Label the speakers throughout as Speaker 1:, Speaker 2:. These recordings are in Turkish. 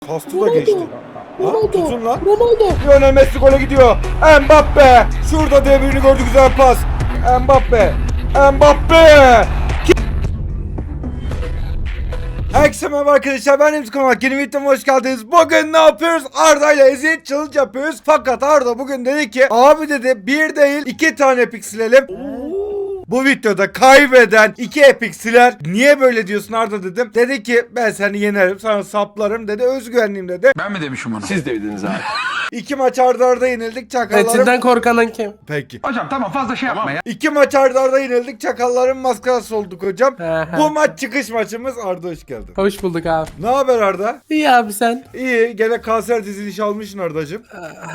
Speaker 1: Kastı da geçti. Ha, tutun lan.
Speaker 2: Ronaldo.
Speaker 1: Lionel Messi gole gidiyor. Mbappe. Şurada devrini gördü, güzel pas. Mbappe. Mbappe. Herkese merhaba arkadaşlar, ben Remzi Konak. Yeni videoma hoş geldiniz. Bugün ne yapıyoruz? Arda ile eziyet challenge yapıyoruz. Fakat Arda bugün dedi ki, abi dedi, bir değil 2 tane epic silelim. Bu videoda kaybeden 2 epic siler. Niye böyle diyorsun Arda dedim. Dedi ki ben seni yenerim, sana saplarım dedi. Özgüvenliyim dedi.
Speaker 3: Ben mi demişim onu?
Speaker 4: Siz dediniz abi.
Speaker 1: 2 maç arda arda yenildik, çakallarım.
Speaker 2: Metin'den korkanan kim?
Speaker 1: Peki.
Speaker 3: Hocam tamam fazla şey yapma ya.
Speaker 1: 2 maç arda arda yenildik, çakalların maskarası olduk hocam.
Speaker 2: Aha.
Speaker 1: Bu maç çıkış maçımız. Arda hoş geldin.
Speaker 2: Hoş bulduk abi.
Speaker 1: Ne haber Arda?
Speaker 2: İyi abi sen.
Speaker 1: İyi, gene kanser dizilişi almışsın Ardacığım.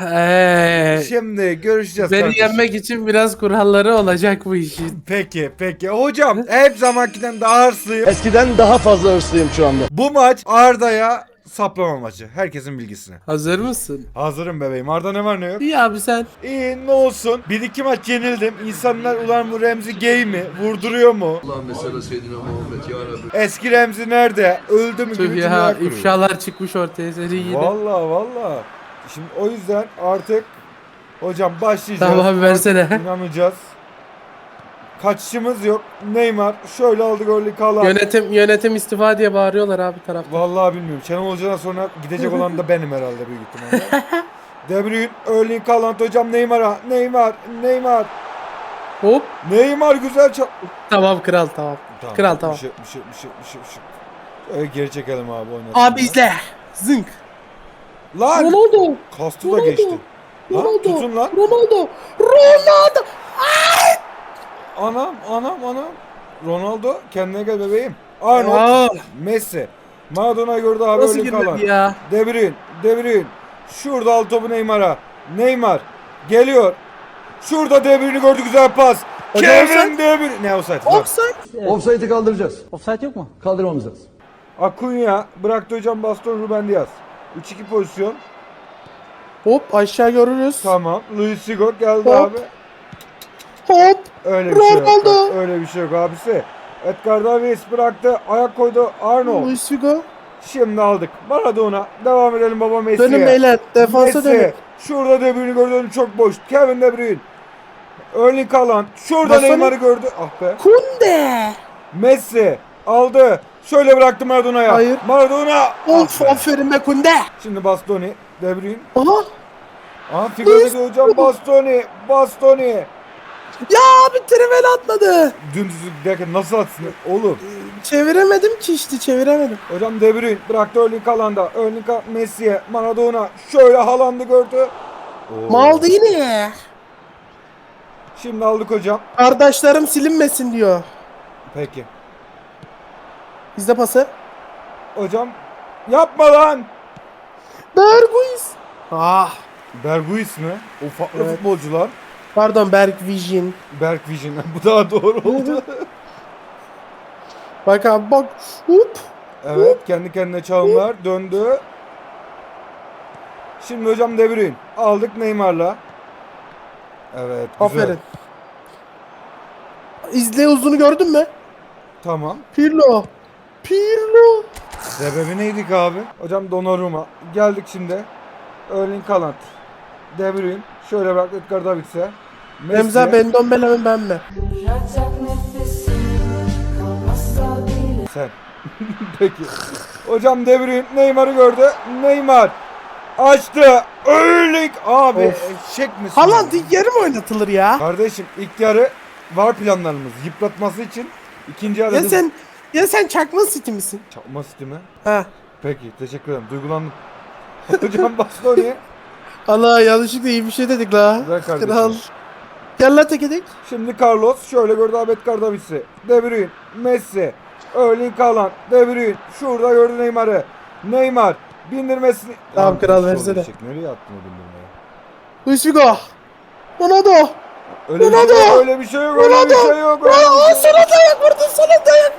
Speaker 1: Şimdi görüşeceğiz
Speaker 2: Beni
Speaker 1: kardeşim.
Speaker 2: yenmek için biraz kuralları olacak bu işin.
Speaker 1: Peki. Hocam hep zamankinden daha hırslıyım.
Speaker 4: Eskiden daha fazla hırslıyım şu anda.
Speaker 1: Bu maç Arda'ya saplama maçı. Herkesin bilgisine.
Speaker 2: Hazır mısın?
Speaker 1: Hazırım bebeğim. Arda ne var ne yok?
Speaker 2: İyi abi sen.
Speaker 1: İyi, ne olsun. 1-2 maç yenildim. İnsanlar ulan bu Remzi gay mi? Vurduruyor mu?
Speaker 5: Allah mesela Seyyidina Muhammed ya Rabbi.
Speaker 1: Eski Remzi nerede? Öldü mü
Speaker 2: Tüh
Speaker 1: gibi
Speaker 2: ya
Speaker 1: cümleler kuruyor.
Speaker 2: ifşalar çıkmış ortaya seni yine.
Speaker 1: Valla. Şimdi o yüzden artık hocam başlayacağız.
Speaker 2: Tamam abi, versene.
Speaker 1: Artık İnanacağız. Kaçışımız yok. Neymar şöyle aldı golü kalan.
Speaker 2: Yönetim istifa diye bağırıyorlar abi tarafta.
Speaker 1: Vallahi bilmiyorum. Şenol Hoca'dan sonra gidecek olan da benim herhalde büyük ihtimalle. De Bruyne, Erling Haaland hocam Neymar'a. Neymar.
Speaker 2: Hop.
Speaker 1: Neymar güzel
Speaker 2: Tamam kral tamam. Kral tamam.
Speaker 1: Bir şey. Şöyle geri çekelim abi oynasın.
Speaker 2: Abi izle. Zınk.
Speaker 1: Lan!
Speaker 2: Ronaldo.
Speaker 1: Kastı da geçti. Ha, tutun lan.
Speaker 2: Ronaldo.
Speaker 1: Anam. Ronaldo kendine gel bebeğim. Arnold,
Speaker 2: Aa,
Speaker 1: Messi. Maradona gördü abi,
Speaker 2: nasıl
Speaker 1: Erling Haaland.
Speaker 2: girmedi ya?
Speaker 1: De Bruyne. Şurada al topu Neymar'a. Neymar geliyor. Şurada De Bruyne'i gördü, güzel pas.
Speaker 2: Hocam
Speaker 1: Kevin
Speaker 2: offside.
Speaker 1: De Bruyne. Ne offside? Lan.
Speaker 2: Offside.
Speaker 5: Offside'i kaldıracağız. Offside yok mu? Kaldırmamız lazım.
Speaker 1: Acuna bıraktı hocam baston, Ruben Dias. 3-2 pozisyon.
Speaker 2: Hop aşağı görürüz.
Speaker 1: Tamam. Luis Figo geldi
Speaker 2: Hop.
Speaker 1: abi.
Speaker 2: Hop.
Speaker 1: Öyle bir şey yok.
Speaker 2: Ronaldo.
Speaker 1: Öyle bir şey yok abisi. Edgar Davids bıraktı. Ayak koydu Arnold.
Speaker 2: Luis Figo.
Speaker 1: Şimdi aldık. Maradona. Devam edelim baba Messi'ye.
Speaker 2: Dönün beyler. Defansa dönün.
Speaker 1: Messi. Şurada De Bruyne'i gördü, çok boş. Kevin De Bruyne. Erling Haaland. Şurada
Speaker 2: Bastoni.
Speaker 1: Neymar'ı gördü. Ah be.
Speaker 2: Kunde.
Speaker 1: Messi aldı. Şöyle bıraktı Maradona'ya.
Speaker 2: Hayır.
Speaker 1: Maradona.
Speaker 2: Of
Speaker 1: Ah be.
Speaker 2: aferin be Kunde.
Speaker 1: Şimdi Bastoni. De Bruyne.
Speaker 2: Aha.
Speaker 1: Aha Figo dedi hocam, Bastoni.
Speaker 2: Ya abi trivel atmadı.
Speaker 1: Dümdüz derken nasıl atsın oğlum?
Speaker 2: Çeviremedim ki işte çeviremedim.
Speaker 1: Hocam De Bruyne bıraktı Erling Haaland'a. Messi'ye. Maradona. Şöyle Haaland'ı gördü. Oo.
Speaker 2: Maldini.
Speaker 1: Şimdi aldık hocam.
Speaker 2: Kardeşlerim silinmesin diyor.
Speaker 1: Peki.
Speaker 2: Bizde pası.
Speaker 1: Hocam yapma lan.
Speaker 2: Berguiz. Ah.
Speaker 1: Berguis mi? O farklı
Speaker 2: Evet.
Speaker 1: futbolcular.
Speaker 2: Pardon Berg Vision.
Speaker 1: Berk Vision. Bu daha doğru oldu.
Speaker 2: Bak abi bak. Hop.
Speaker 1: Evet, kendi kendine çalımlar döndü. Şimdi hocam De Bruyne. Aldık Neymar'la. Evet, güzel.
Speaker 2: Aferin. İzle uzunu gördün mü?
Speaker 1: Tamam.
Speaker 2: Pirlo.
Speaker 1: Sebebi neydik abi? Hocam Donnarumma. Geldik şimdi. Erling Haaland. De Bruyne. Şöyle bırak Edgar Davids'e.
Speaker 2: Remza Bendon Belemen ben mi?
Speaker 1: Sen. Peki. Hocam De Bruyne Neymar'ı gördü. Neymar açtı. Erling abi.
Speaker 2: Of.
Speaker 1: Eşek misin?
Speaker 2: Haaland ilk yarı mı oynatılır ya?
Speaker 1: Kardeşim ilk yarı var planlarımız. Yıpratması için ikinci yarı.
Speaker 2: Ya sen çakma City misin?
Speaker 1: Çakma City mi?
Speaker 2: Ha.
Speaker 1: Peki, teşekkür ederim. Duygulandım. Hocam Bastoni.
Speaker 2: Allah yanlışlıkla iyi bir şey dedik la.
Speaker 1: Güzel kardeşim.
Speaker 2: Kral. Gel la tek edek.
Speaker 1: Şimdi Carlos şöyle gördü abi Edgar Davids'i. De Bruyne, Messi, Erling Haaland, De Bruyne. Şurada gördü Neymar'ı. Neymar bindirmesini.
Speaker 2: Tamam,
Speaker 1: Lan,
Speaker 2: kral,
Speaker 1: sol
Speaker 2: versene.
Speaker 1: geçecek. Nereye attın o bindirmeyi?
Speaker 2: Luis Figo. Ronaldo.
Speaker 1: Öyle bir
Speaker 2: Ronaldo!
Speaker 1: şey yok, öyle bir şey yok, öyle bir şey yok. öyle
Speaker 2: Aa,
Speaker 1: bir şey
Speaker 2: sana dayak vurdun sana dayak.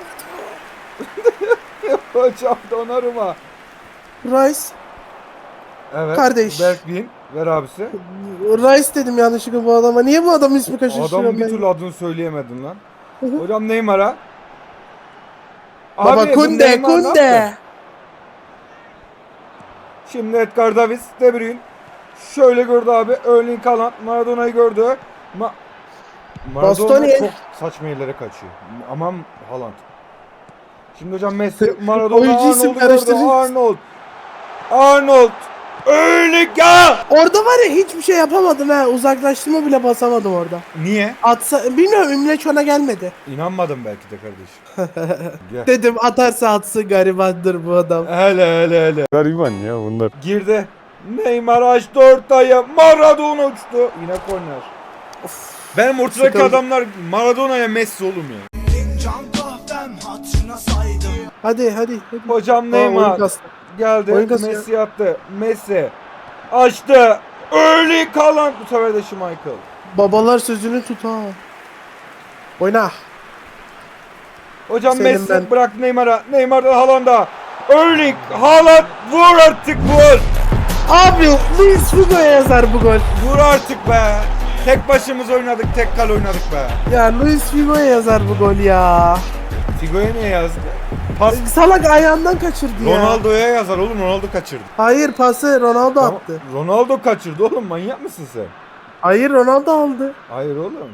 Speaker 1: yok. Hocam Donnarumma.
Speaker 2: Rice.
Speaker 1: Evet.
Speaker 2: Kardeş.
Speaker 1: Bergwijn. Ver abisi.
Speaker 2: Rice dedim yanlışlıkla bu adama. Niye bu adamın ismi kaçıştırıyorum
Speaker 1: Adam bir
Speaker 2: ben?
Speaker 1: türlü adını söyleyemedin lan. Hocam Neymar'a.
Speaker 2: Baba
Speaker 1: Abi, bu
Speaker 2: Kunde
Speaker 1: Neymar ne yaptı?
Speaker 2: Kunde.
Speaker 1: Şimdi Edgar Davis, De Bruyne. Şöyle gördü abi. Erling Haaland Maradona'yı gördü. Maradona
Speaker 2: Bastoni.
Speaker 1: çok saçma yerlere kaçıyor. Aman Haaland. Şimdi hocam Messi, Maradona,
Speaker 2: Oyuncu isim
Speaker 1: Arnold'u gördü.
Speaker 2: karıştırıyorsun.
Speaker 1: Arnold. Erling ya.
Speaker 2: Orada var ya hiçbir şey yapamadım ha. Uzaklaştırma bile basamadım orada.
Speaker 1: Niye?
Speaker 2: Atsa bilmiyorum, Ümleç ona gelmedi.
Speaker 1: İnanmadım belki de kardeşim. Gel.
Speaker 2: Dedim atarsa atsın, garibandır bu adam.
Speaker 1: Hele.
Speaker 4: Gariban ya bunlar.
Speaker 1: Girdi. Neymar açtı ortaya. Maradona uçtu. Yine korner. Benim ortadaki
Speaker 2: Sıkıldı.
Speaker 1: adamlar Maradona'ya Messi oğlum ya.
Speaker 2: Hadi.
Speaker 1: Hocam
Speaker 2: Oyun
Speaker 1: Neymar
Speaker 2: kastı.
Speaker 1: geldi.
Speaker 2: Oyun kastı
Speaker 1: Messi attı. Messi açtı. Erling Haaland, bu sefer de Schmeichel.
Speaker 2: Babalar sözünü tut ha. Oyna.
Speaker 1: Hocam
Speaker 2: Senin
Speaker 1: Messi
Speaker 2: ben-
Speaker 1: bırak Neymar'a. Neymar'dan Haaland'a. Erling Haaland vur artık vur.
Speaker 2: Abi Luis Figo'ya yazar bu gol.
Speaker 1: Vur artık be. Tek başımız oynadık. Tek kale oynadık be.
Speaker 2: Ya Luis Figo'ya yazar bu gol ya.
Speaker 1: Figo'ya ne yazdı? Pas
Speaker 2: Salak ayağından kaçırdı ya.
Speaker 1: Ronaldo'ya yazar oğlum. Ronaldo kaçırdı.
Speaker 2: Hayır, pası Ronaldo
Speaker 1: Tamam,
Speaker 2: attı.
Speaker 1: Ronaldo kaçırdı oğlum. Manyak mısın sen?
Speaker 2: Hayır, Ronaldo aldı.
Speaker 1: Hayır oğlum.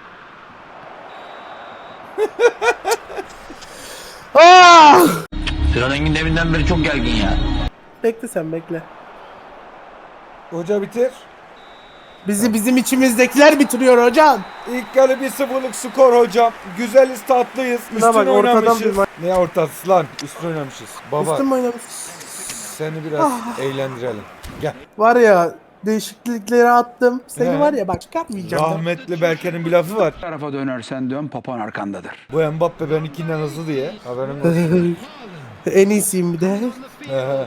Speaker 2: Ah!
Speaker 3: Sinan Engin deminden beri çok gergin ya.
Speaker 2: Bekle sen bekle.
Speaker 1: Hoca bitir.
Speaker 2: Bizim içimizdekiler bitiriyor hocam.
Speaker 1: İlk yarı 1-0'lık skor hocam. Güzeliz, tatlıyız.
Speaker 2: Buna
Speaker 1: Üstün
Speaker 2: bak, ortadan
Speaker 1: oynamışız.
Speaker 2: bir maç.
Speaker 1: Ne ortası lan? Üstün oynamışız. Baba
Speaker 2: Üstün mü oynamış?
Speaker 1: seni biraz eğlendirelim. Gel.
Speaker 2: Var ya, değişiklikleri attım. Seni
Speaker 1: He.
Speaker 2: var ya bak, çıkartmayacağım. ben.
Speaker 1: Rahmetli Berke'nin bir lafı var.
Speaker 3: Bu tarafa dönersen dön, papan arkandadır.
Speaker 1: Bu Mbappe benimkinden hızlı diye. Haberin olsun.
Speaker 2: En iyisiyim bir de.
Speaker 1: He.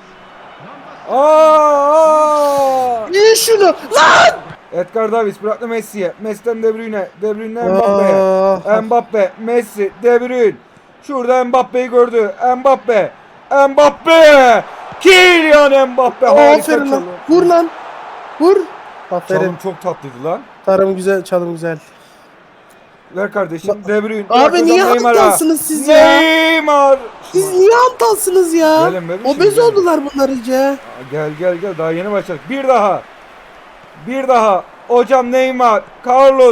Speaker 1: Aa!
Speaker 2: Niye şunu? Lan!
Speaker 1: Edgar Davis bıraktı Messi'ye. Messi'den De Bruyne. De Bruyne'den Mbappe'ye.
Speaker 2: Ah.
Speaker 1: Mbappe, Messi, De Bruyne. Şurada Mbappe'yi gördü. Mbappe. Kylian Mbappe. Harika
Speaker 2: Aferin lan.
Speaker 1: çalım.
Speaker 2: Vur lan. Vur. Aferin.
Speaker 1: Çalım çok tatlıydı lan.
Speaker 2: Tarım güzel, çalım güzel.
Speaker 1: Ver kardeşim. De Bruyne.
Speaker 2: Abi
Speaker 1: Bırak
Speaker 2: niye
Speaker 1: hocam Neymar'a.
Speaker 2: aptalsınız siz ya?
Speaker 1: Neymar.
Speaker 2: Siz niye aptalsınız ya?
Speaker 1: Gelin bebişim,
Speaker 2: Obez
Speaker 1: gelin.
Speaker 2: oldular bunlar iyice.
Speaker 1: Gel. Daha yeni başladık. Bir daha. Hocam Neymar. Carlos.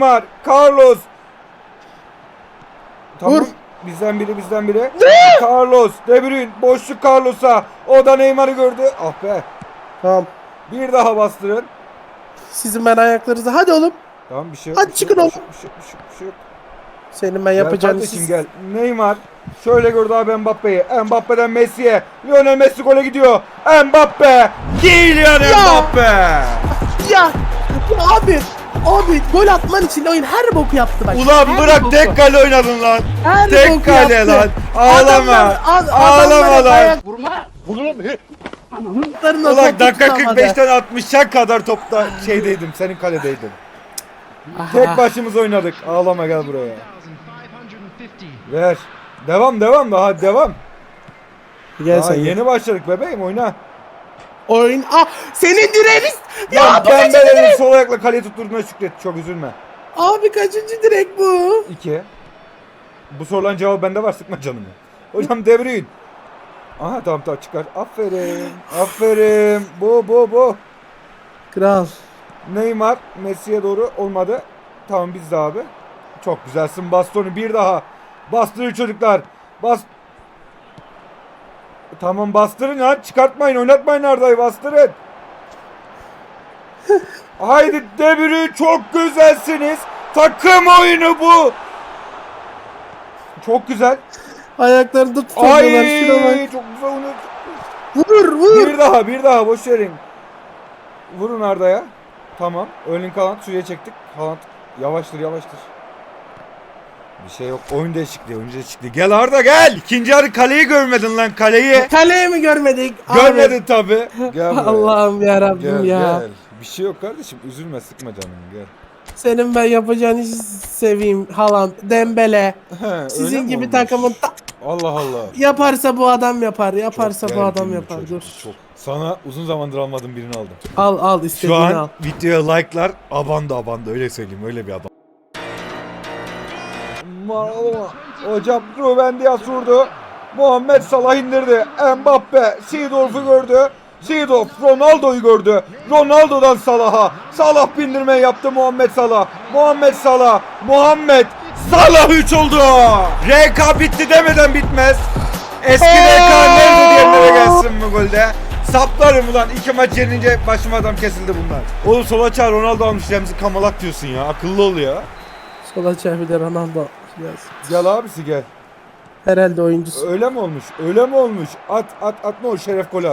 Speaker 1: Tamam.
Speaker 2: Vur.
Speaker 1: Bizden biri. Carlos. De Bruyne. Boşluk Carlos'a. O da Neymar'ı gördü. Ah be.
Speaker 2: Tamam.
Speaker 1: Bir daha bastırın.
Speaker 2: Sizin ben ayaklarınızı. Hadi oğlum.
Speaker 1: Tamam bir şey yok.
Speaker 2: Hadi
Speaker 1: bir şey
Speaker 2: çıkın
Speaker 1: yok,
Speaker 2: oğlum.
Speaker 1: Bir şey yok.
Speaker 2: Senin ben
Speaker 1: Gel
Speaker 2: yapacağım
Speaker 1: kardeşim gel. Neymar. Şöyle gördü abi Mbappe'yi. Mbappe'den Messi'ye. Lionel Messi gole gidiyor. Mbappe. Kylian Mbappe.
Speaker 2: Ya abi gol atman için oyun her boku yaptı bak.
Speaker 1: Ulan
Speaker 2: Her
Speaker 1: bırak
Speaker 2: boku.
Speaker 1: tek kale oynadın lan.
Speaker 2: Her
Speaker 1: Tek
Speaker 2: boku
Speaker 1: kale
Speaker 2: yaptı.
Speaker 1: lan. Ağlama. Ağlama lan.
Speaker 2: Ayaklarına
Speaker 1: Ulan
Speaker 2: topu
Speaker 1: dakika
Speaker 2: tutamadı.
Speaker 1: 45'ten 60'a kadar topta şeydeydim. Senin kaledeydim. Tek başımıza oynadık. Ağlama gel buraya. Ver. Devam da hadi devam.
Speaker 2: Gel
Speaker 1: Aa,
Speaker 2: sen
Speaker 1: yeni başladık bebeğim oyna.
Speaker 2: oyun. Ah, senin direğiniz. Ya
Speaker 1: Ya
Speaker 2: bu
Speaker 1: ben
Speaker 2: kaçıncı
Speaker 1: elini
Speaker 2: direk?
Speaker 1: sol ayakla kaleye tutturduğuna şükret. Çok üzülme.
Speaker 2: Abi kaçıncı direk bu?
Speaker 1: 2. Bu sorulan cevabı bende var, sıkma canımı. Hocam De Bruyne. Aha tamam çıkar. Aferin. Bu.
Speaker 2: Kral.
Speaker 1: Neymar Messi'ye doğru olmadı. Tamam biz de abi. Çok güzelsin Bastoni bir daha. Bastırın çocuklar. Tamam bastırın ya. Çıkartmayın, oynatmayın Arda'yı, bastırın. Haydi De Bruyne, çok güzelsiniz. Takım oyunu bu. Çok güzel.
Speaker 2: Ayaklarında tutamıyorlar. Şuna bak.
Speaker 1: Ay çok güzel oynuyor.
Speaker 2: Vur.
Speaker 1: Bir daha boş verin. Vurun Arda'ya. Tamam. Erling Haaland suya çektik. Haaland yavaştır. Bir şey yok. Oyun değişikliği. Gel Arda gel. İkinci yarı kaleyi görmedin lan, kaleyi.
Speaker 2: Kaleyi mi görmedik?
Speaker 1: Görmedin tabi. Gel buraya.
Speaker 2: Allah'ım ya Rabbim ya.
Speaker 1: Gel. Bir şey yok kardeşim. Üzülme, sıkma canını, gel.
Speaker 2: Senin ben yapacağın işi seveyim. Haaland, Dembele.
Speaker 1: He, öyle
Speaker 2: Sizin
Speaker 1: mi
Speaker 2: gibi
Speaker 1: olmuş?
Speaker 2: takımın
Speaker 1: Allah.
Speaker 2: yaparsa bu adam yapar. Yaparsa
Speaker 1: Çok
Speaker 2: bu adam
Speaker 1: gergin bir
Speaker 2: yapar.
Speaker 1: çocuk,
Speaker 2: Dur.
Speaker 1: Çok. Sana uzun zamandır almadığım birini aldım.
Speaker 2: Al
Speaker 1: Şu
Speaker 2: istediğini
Speaker 1: an
Speaker 2: al.
Speaker 1: videoya like'lar abanda öyle söyleyeyim, öyle bir adam. Hocam Ruben Dias vurdu. Muhammed Salah indirdi. Mbappe Seedorf'u gördü. Seedorf Ronaldo'yu gördü. Ronaldo'dan Salah'a. Salah bindirme yaptı Muhammed Salah. Muhammed Salah. Muhammed Salah 3 oldu. RK bitti demeden bitmez. Eski RK nerede diyenlere gelsin bu golde. Saplarım ulan. 2 maç yenince başıma adam kesildi bunlar. Oğlum sola çağır Ronaldo almış Remzi Kamalak diyorsun ya. Akıllı ol ya.
Speaker 2: Sola çevir de Ronaldo.
Speaker 1: Gel abisi gel.
Speaker 2: Herhalde oyuncusu.
Speaker 1: Öyle mi olmuş? Öyle mi olmuş? At ne o şeref golü at.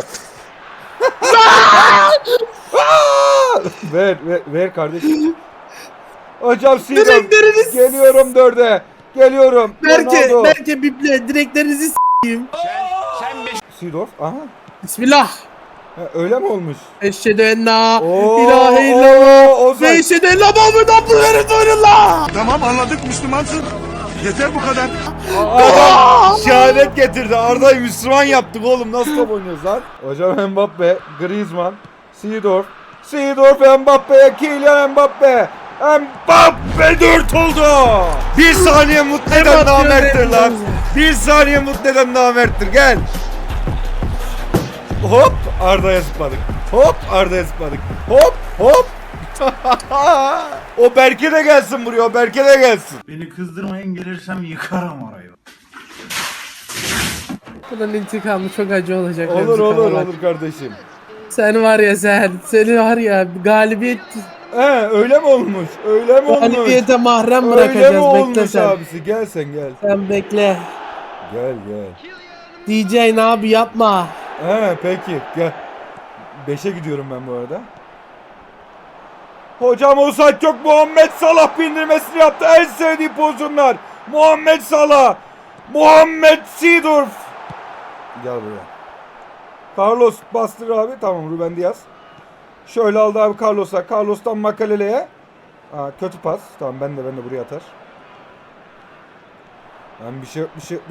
Speaker 1: ver kardeşim. Hocam Seedorf.
Speaker 2: Direkleriniz.
Speaker 1: Geliyorum 4'e. Geliyorum. Ronaldo.
Speaker 2: Berke biple direklerinizi s**eyim.
Speaker 1: Seedorf. Aha.
Speaker 2: Bismillah.
Speaker 1: Ha, öyle mi olmuş?
Speaker 2: Eşhedü en la
Speaker 1: Oo,
Speaker 2: ilahe illallah.
Speaker 1: Ozan.
Speaker 2: Ve eşhedü en la Muhammed Abdülhamid Resulullah.
Speaker 6: Tamam anladık Müslümansın. Yeter bu kadar.
Speaker 1: Adam şehadet getirdi. Arda'yı Müslüman yaptık oğlum. Nasıl top oynuyoruz lan? Hocam Mbappe, Griezmann, Seedorf. Seedorf Mbappe'ye, Kylian Mbappe. Mbappe 4 oldu. Bir saniye mutlu eden namerttir lan. Bir saniye mutlu eden namerttir. Gel. Hop Arda'ya zıpladık. Hop Arda'ya zıpladık. Hop hop. O Berke de gelsin buraya. O Berke de gelsin.
Speaker 6: Beni kızdırmayın gelirsem yıkarım orayı.
Speaker 2: Bunun intikamı çok acı olacak.
Speaker 1: Olur
Speaker 2: Remzi
Speaker 1: olur
Speaker 2: Kamalak.
Speaker 1: olur kardeşim.
Speaker 2: Sen var ya sen. Seni var ya galibiyet.
Speaker 1: Öyle mi olmuş? Öyle mi olmuş?
Speaker 2: Galibiyete mahrem
Speaker 1: Öyle mi
Speaker 2: bırakacağız. Bekle
Speaker 1: olmuş
Speaker 2: sen.
Speaker 1: abisi? Gel sen gel.
Speaker 2: Sen bekle.
Speaker 1: Gel gel.
Speaker 2: DJ abi yapma.
Speaker 1: Peki gel. 5'e gidiyorum ben bu arada. Hocam offside yok. Muhammed Salah bindirmesini yaptı. En sevdiği pozisyonlar. Muhammed Salah. Muhammed Seedorf. Gel buraya. Carlos bastır abi. Tamam Ruben Diaz. Şöyle aldı abi Carlos'a. Carlos'tan Makalele'ye. Kötü pas. Tamam ben de buraya atar. Bir şey yok.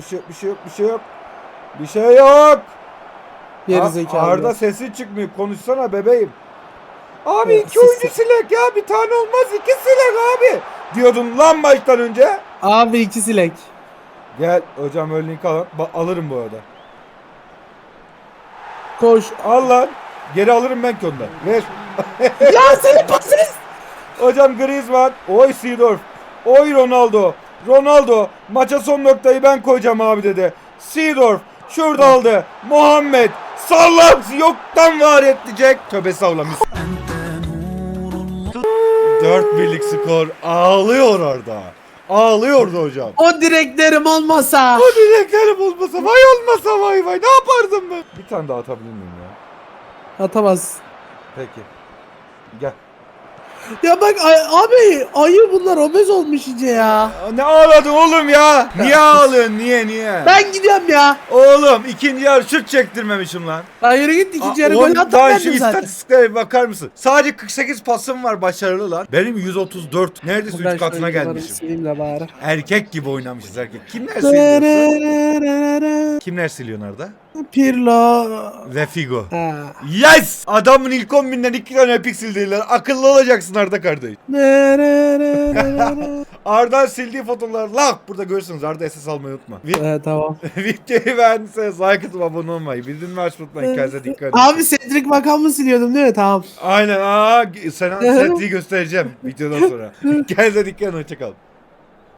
Speaker 1: Bir şey yok.
Speaker 2: Geri zekalı.
Speaker 1: Arda sesi çıkmıyor. Konuşsana bebeğim. Abi
Speaker 2: Evet,
Speaker 1: 2 oyuncu silek ya. Bir tane olmaz. 2 silek abi. Diyordun lan maçtan önce.
Speaker 2: Abi 2 silek.
Speaker 1: Gel hocam örneğin alın. Alırım bu arada.
Speaker 2: Koş.
Speaker 1: Al lan. Geri alırım ben ki ondan. Ver.
Speaker 2: Ya senin pasınız.
Speaker 1: Hocam Griezmann. Oy Seedorf. Oy Ronaldo. Ronaldo. Maça son noktayı ben koyacağım abi dedi. Seedorf. Şurada aldı. Muhammed. Sallam yoktan var edecek. Tövbe savlamış. 4-1'lik skor. Ağlıyor orada. Ağlıyordu hocam.
Speaker 2: O direklerim olmasa.
Speaker 1: O direklerim olmasa vay olmasa vay ne yapardım ben? Bir tane daha atabilir miyim ya?
Speaker 2: Atamaz.
Speaker 1: Peki. Gel.
Speaker 2: Ya bak abi ayı bunlar obez olmuş iyice ya.
Speaker 1: Ne ağladın oğlum ya? Niye ağlıyorsun? Niye?
Speaker 2: Ben gidiyorum ya.
Speaker 1: Oğlum ikinci yarı şut çektirmemişim lan.
Speaker 2: Hayır git ikinci yarı
Speaker 1: Oğlum,
Speaker 2: gol atam
Speaker 1: daha
Speaker 2: ben
Speaker 1: şu
Speaker 2: zaten.
Speaker 1: istatistiklere bir bakar mısın? Sadece 48 pasım var başarılı lan. Benim 134. Neredeyse 3 katına gelmişim.
Speaker 2: Sileyim de bari.
Speaker 1: Erkek gibi oynamışız erkek. Kimler siliyorsun? Kimler siliyor orada?
Speaker 2: Pirlo.
Speaker 1: Ve Figo.
Speaker 2: Ha.
Speaker 1: Yes! Adamın ilk 10.000'den 2 tane epik sildiler. Akıllı olacaksın Arda kardeş. Arda'nın sildiği fotoğraflar lak burada görürsünüz. Arda SS almayı unutma.
Speaker 2: Tamam.
Speaker 1: Videoyu beğendiyseniz like atıp abone olmayı. Bildirimleri açmayı unutmayın. Kendinize dikkat edin.
Speaker 2: Abi Cedric makamını siliyordum değil mi? Tamam.
Speaker 1: Aynen. Sana setliği göstereceğim videodan sonra. Kendinize dikkat edin. Hoşçakalın.